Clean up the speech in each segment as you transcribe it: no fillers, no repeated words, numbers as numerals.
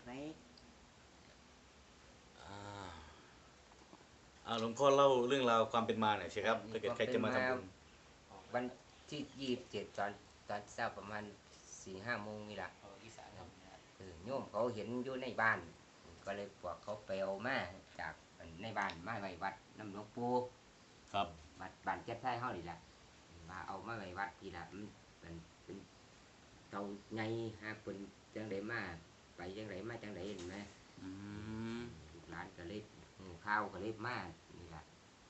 หลวงพ่อเล่าเรื่องราวความเป็นมาหน่อยสิครับถ้าเกิดใครจะมาทำบุญวันที่27ตอนเช้าประมาณ4-5 โมงนี่แหละโยมเขาเห็นอยู่ในบ้านก็เลยบอกเขาไปเอามาจากในบ้านมาไว้วัดน้ำหลวงปู่ครับวัดบ้านเจ็ดไร่เฮานี่แหละมาเอามาไว้วัดทีละมันเป็นเตาใหญ่หาเป็นจังไดมาไปจังไดมาจังไดเห็นไหมลูกหลานก็เลยข้าวก็เลยมานี่แหละ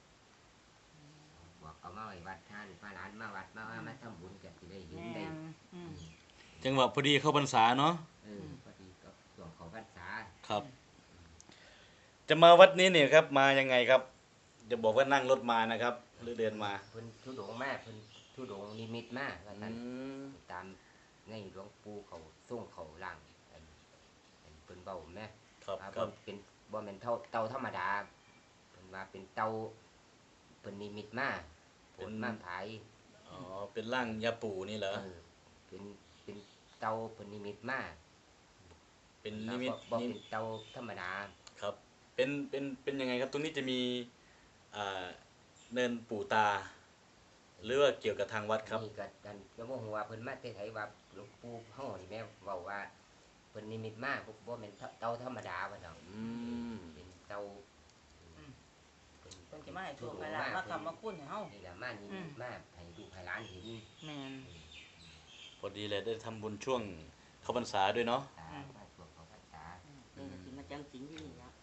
บอกเอามาไว้วัดท่านพระหลานมาวัดมาทำบุญกันที่ได้เห็นได้จังหวะพอดีเข้าพรรษาเนาะพอดีกับช่วงเข้าพรรษาครับจะมาวัดนี้เนี่ยครับมายังไงครับจะบอกว่านั่งรถมานะครับหรือเดินมาเพิ่นทุดงมาเพิ่นทุดงนิมิตมาว่าซั่นตามในหลวงปู่เขาส่งเขาล่างเพิ่นเว้าแม่ครับเป็นบ่แม่นเตาธรรมดาเพิ่นว่าเป็นเตาเพิ่นนิมิตมาผลมาผายเป็นร่างยาปู่นี่เหรอเป็นเตาเพิ่นนิมิตมาเป็นนิมิตบ่เป็นเตาธรรมดาครับเป็นยังไงครับตรงนี้จะมีเนินปู่ตาหรือว่าเกี่ยวกับทางวัดครับนี่ก็บ่ฮู้ว่าเพิ่นมาแต่ไสว่าหลวงปู่เฮานี่แม่เว้าว่าเพิ่นนิมิตมาบ่แม่นเตาธรรมดาว่าดอกเป็นเตาเพิ่นสิมาให้โชคให้ลาภมาคำมาคุณให้เฮานี่ล่ะมานิมิตมาให้ลูกให้หลานเห็นแม่นพอดีเลยได้ทำบุญช่วงเข้าพรรษาด้วยเนาะมาช่วงเข้าพรรษานี่ก็สิมาจังสิงอยู่นี่ครับ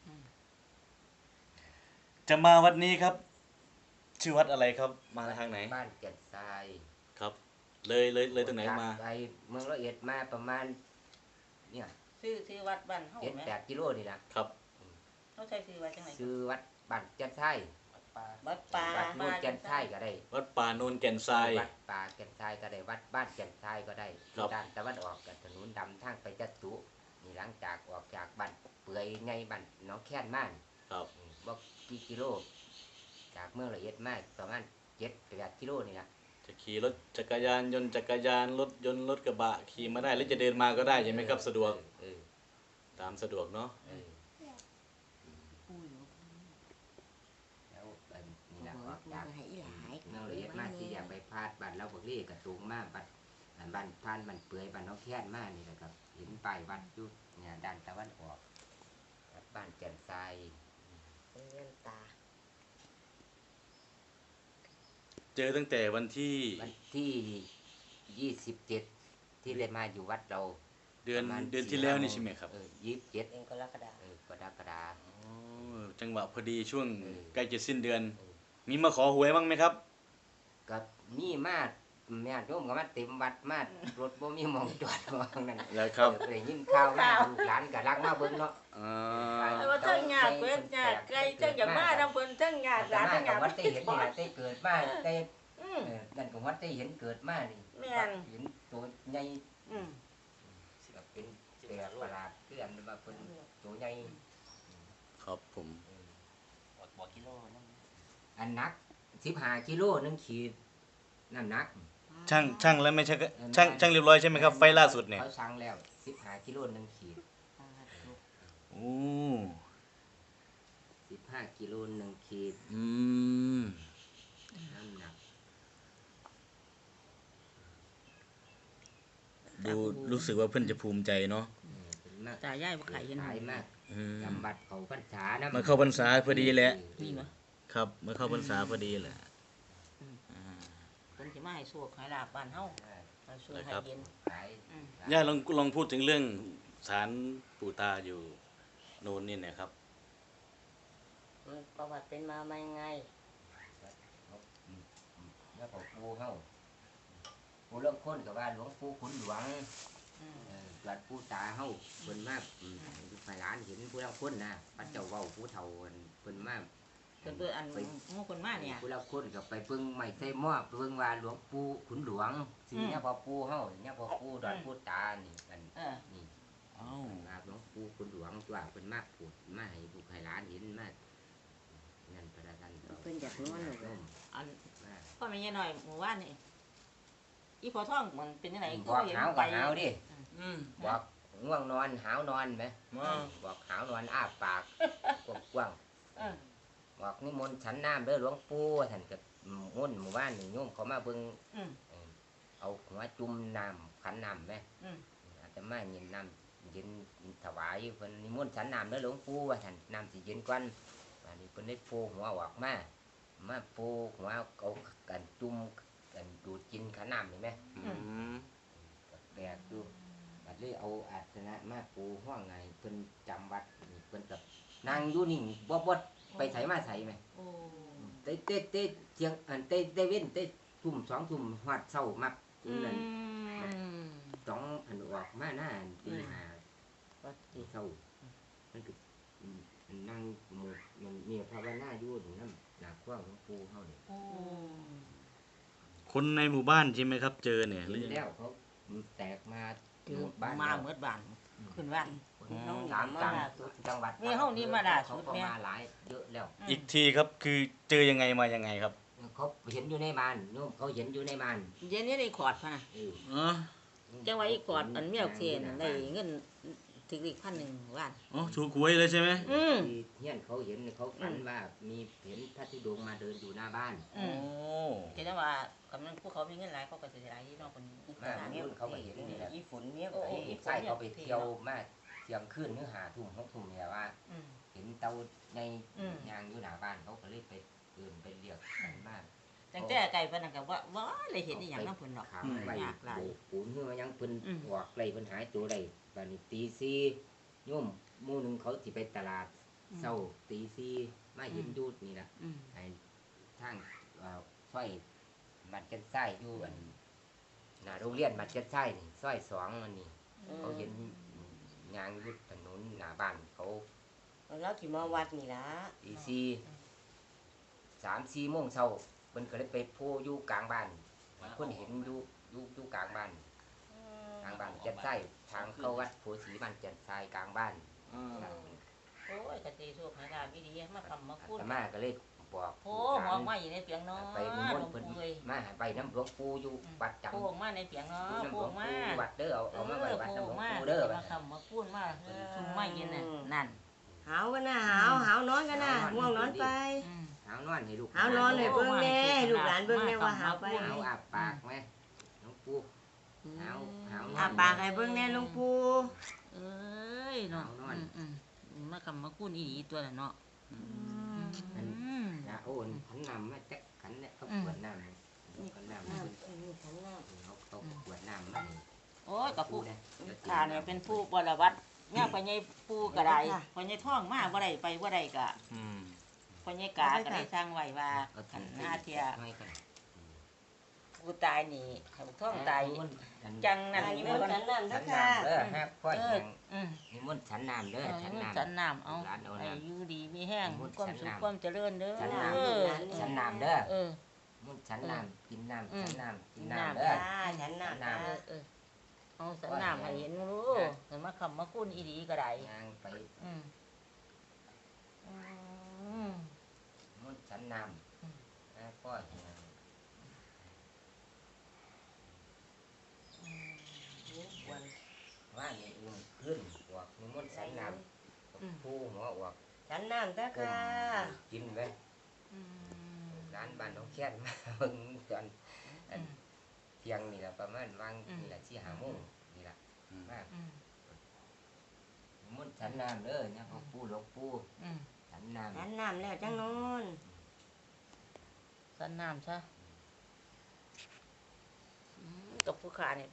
จะมาวัดนี้ครับชื่อวัดอะไรครับมาทางไหนบ้านแก่นทรายครับเลยตรงไหนมาไปเมืองร้อยเอ็ดมาประมาณเนี่ยชื่อวัดบ้านเฮาแม่ 7-8 กิโลนี่ล่ะครับเฮาใช้ชื่อว่าจังได๋ชื่อวัดบ้านแก่นทรายวัดป่าโนนแก่นทรายก็ได้วัดป่าโนนแก่นทรายวัดป่าแก่นทรายก็ได้วัดบ้านแก่นทรายก็ได้ด้านตะวันออกกับถนนดำทางไปจัตุนี่หลังจากออกจากบ้านเปื่อยไงบ้านน้องแค้นมาครับบ่กี่กิโลจากเมืองละเอียดมากประมาณ7-8 กิโลนี่ล่ะจะขี่รถจักรยานยนต์รถยนต์รถกระบะขี่มาได้หรือจะเดินมาก็ได้ใช่ไหมครับสะดวกตามสะดวกเนาะแล้วนี่ล่ะออกจากเมืองละเอียดมากที่อยากไปพาดบ้านเราบักลี่กระตูงมาบ้านพานบ้านเปื่อยบ้านน้องแค้นมานี่แหละครับเห็นป้ายวัดอยู่เนี่ยด้านตะวันออกวัดบ้านแก่นทรายเงินตาเจอตั้งแต่วันที่ 27ที่ได้มาอยู่วัดเราเดือนที่แล้วนี่ใช่ไหมครับ 27 กรกฎาคมกรกฎาคมจังหวะพอดีช่วงใกล้จะสิ้นเดือนมีมาขอหวยบ้างไหมครับก็มีมาแม่โยมก็มาเต็มวัดมารถบ่มีหม่องจอดว่านั่นแล้วครับได้ยินข่าวมาลูกหลานก็รักมาเบิ่งเนาะว่าทั้งญาติเพิ่นญาติไกลทั้งอยากมานำเพิ่นทั้งญาติหลานทั้งญาติวัดได้เห็นนี่ได้เกิดมาได้นั่นก็วัดได้เห็นเกิดมานี่แม่นเห็นตัวใหญ่ก็เป็นแปลกประหลาดคืออันว่าเพิ่นตัวใหญ่ครับผมบ่กิโลนึงอันหนัก15 กิโล1 ขีดน้ำหนักช่างแล้วไม่ใช่ช่างเรียบร้อยใช่ไหมครับไฟล่าสุดเนี่ยเขาช่างแล้ว15 กิโล1 ขีดโอ้ 15 กิโล1 ขีดน้ำหนักดูรู้สึกว่าเพิ่นจะภูมิใจเนาะตายายบ่ไข่เห็นหายมากจำบัดเข้าพรรษานะมาเข้าพรรษาพอดีแหละครับมาเข้าพรรษาพอดีแหละเพิ่นสิมาให้โชคให้ลาภบ้านเฮาให้โชคให้เย็นย่าลองพูดถึงเรื่องศาลปู่ตาอยู่โน่นนี่นะครับประวัติเป็นมายังไงแล้วก็ปู่เฮาปู่เริ่มค้นก็ว่าหลวงปู่ขุนหลวงวัดปู่ตาเฮาเพิ่นมาให้หลานเห็นผู้เริ่มค้นนะพระเจ้าเว้าผู้เฒ่าเพิ่นมาเพิ่นอันหมู่คนมาเนี่ยผู้เริ่มค้นก็ไปเบิ่งไม้ใส่หม้อไปเบิ่งว่าหลวงปู่ขุนหลวงสิเนี่ยพอปู่เฮาเนี่ยพอปู่ดอนปู่ตานี่กันนี่หลวงปู่ขุนหลวงว่าเพิ่นมาพูดมาให้ลูกให้หลานเห็นมานั่นพระท่านเพิ่นอยากรู้อันพ่อแม่ยายน้อยหมู่บ้านนี่อีพอท่องมันเป็นจังได๋ก็เห็นไปหาวดิบอกง่วงนอนหาวนอนไหมมาบอกหาวนอนอ้าปากกว้างเออๆบอกนิมนต์ฉันน้ำเด้อหลวงปู่ท่านก็มุ่นหมู่บ้านนี่โยมเขามาเบิ่งอืมเอาหัวจุ่มน้ำขันน้ำไหมอืมอาจจะมาเย็นน้ำเย็นถวายเพิ่นนิมนต์ฉันน้ำเด้อหลวงปู่ว่าท่านน้ำสิเย็นก่อนอันนี้เพิ่นได้ปูหัวออกมาปูหัวเอากันจุ่มกันดูดกินขันน้ำนี่ไหมอืมแปลกดูบัดเลยเอาอาสนะมาปูห้องไงเพิ่นจำวัดนี่เพิ่นกับนางอยู่นิ่งบ่ไปไสมาไสไหมโอ้เต้เที่ยงอันเต้เว้นเต้ทุ่ม2 ทุ่มฮอดเช้ามักอืนั่นมต้องอันออกมาหน้าอันตีหาวัดตีติเช้ามันก็นั่งหมู่มันเนี่ยภาวนาอยู่นี่นำหน้าคว้างหลวงปู่เฮานี่โอ้คนในหมู่บ้านใช่ไหมครับ เจอเนี่ยหเห็รือน ยังไงแล้วเขาแตกมาถือบ้านมาแล้วเมื่อบ้านขึ้นบ้าน น้องสามมาจังล่าสุดจังหวัดมีเฮานี่มาล่าสุดเขาก็เนี่ยมาหลายเยอะแล้วอีกทีครับคือเจอยังไงมายังไงครับเขาเห็นอยู่ในบ้านโยมเขาเห็นอยู่ในบ้านเย็นนี้ได้ขอดพะนะเอออ๋อจังว่าอีกอดอันเมียเทียนได้เงินถึงอีก1,000 ล้านอ๋อถูกหวยเลยใช่ไหมอืมที่เฮียนเขาเห็นเขาฝันว่ามีเห็นพระธุดงค์มาเดินอยู่หน้าบ้านอืโอ้มแต่จังว่ากำลังพวกเขามีเงินหลายเขาก็สิหลายที่น้องคนมารุ่นเขาก็เห็นนี่แหละอีฝนเมียไอ้ไส้เขาไปเที่ยวมาเที่ยงคืนหรือ5 ทุ่ม6 ทุ่มเนี่ยว่าอืมเห็นเตาในอืมยางอยู่หน้าบ้านเขาก็เลยไปเดินไปเรียกกันมาจังแต่ไก่เพิ่นนั่นก็ว่าเลยเห็นอีหยังนำเพิ่นหรอกขังไว้ยากหลายโบกปูนเมื่อยังเพิ่นอืมออกไล่เพิ่นหายตัวได้บัดนี้ตี 4โยมหมู่หนึงเขาสิไปตลาดเช้าตี 4มาเห็นอยู่นี่ล่ะอืมไอ้ทางซอยบัดกันไส้อยู่อันหน้าโรงเรียนบัดกันไส้นี่ซอย2อันนี้เขาเห็นยางอยู่ถนนหน้าบ้านเขาแล้วที่มาวัดนี่ล่ะตี3-4 โมงเช้าเพิ่นก็เลยไปโพอยู่กลางบ้านคนเห็นอยู่กลางบ้านกลางบ้านจันไส้ทางเข้าวัดโพสีบ้านจันไส้กลางบ้านอืมโอ้ยกะตีสุกให้ลาบิดีมาคำมาพูดอาตมาก็เลยบอกโอ้หอกมาอยู่ในเปียงเนาะไปนิมนต์เพิ่นเลยมาไปน้ำหลวงปู่อยู่วัดจำโป่งมาในเปียงเนาะอยู่น้ำหลโป่วงงมาปู่วัดเด้อเอามาไว้วัดน้ำหลวงมาปู่เด้อมาคำมาพูดมาซุ่มไม่เย็นน่ะนั่นหาวกันนะหาวนอนกันนะง่วงนอนไปอืมหาวนอนให้ลูกหาวนอนให้เบิ่งแน่ลูกหลานเบิ่งแน่ว่าหาวไปหาวอาบปากไหมหลวงปู่หาวนอนอาปากให้เบิ่งแน่หลวงปู่เอ้ยเนาะมาคำมาพูดอีหลีตัวน่ะเนาะอันนะโอ้นขันน้ำมาจักขันเนี่ยเขาขวดน้ำขันน้ำนี่ขันน้ำเขาขวดน้ำมานี่โอ้ยกับผู้นะข้าเนี่ยเป็นผู้บรวัดเนี่ยพ่อใหญ่ปู่ก็ได้พ่อใหญ่ท่องมาบ่ได้ไปบ่ได้ก็อืมพ่อใหญ่กาก็ได้สร้างไว้ว่าเอาขันถุงหน้าเทียให้กันผู้ตายนี่เขาท่องตายจังนั่นอันนี่นี้มันขันน้ำฉันะนคะน้ำเด้อฮะพ่อเอแหอง อืมนิมนต์ฉันน้ำเด้อฉันน้ำฉันน้ำเอาร้านเอาไอ้น้ำอยู่ดีมีแห้งมุดความฉันสุขน้ำความเจริญเด้อฉันน้ ฉันน้ำเด้อเออมุนฉันน้ำกินน้ำฉันน้ำกินน้ำน้ำเด้อขันน้ำน้ำเออเออเอาฉันน้ำให้เห็นรู้เห็นมาคำมาคุ้นอีดีก็ได้ยางไปอืมอืมมุนฉันน้ำนะพ่อแหงว่านี่อุ่นขึ้นอวกนิมนต์ฉันน้ำผู้หัวอวกขันน้ำนะก้มคะกินไว้อืมร้านบ้านน้องแค้นมาเบิ่งจนอันเที่ยงนี่แหละประมาณวางนี่แหละ4-5 โมงนี่แหละมากอืมมุนฉันน้ำเด้อเนี่ยเขาปูหลวงปูอืมฉันน้ำขันน้ำแล้วจังนอนฉันน้ำซะกับผู้ขาเนี่ย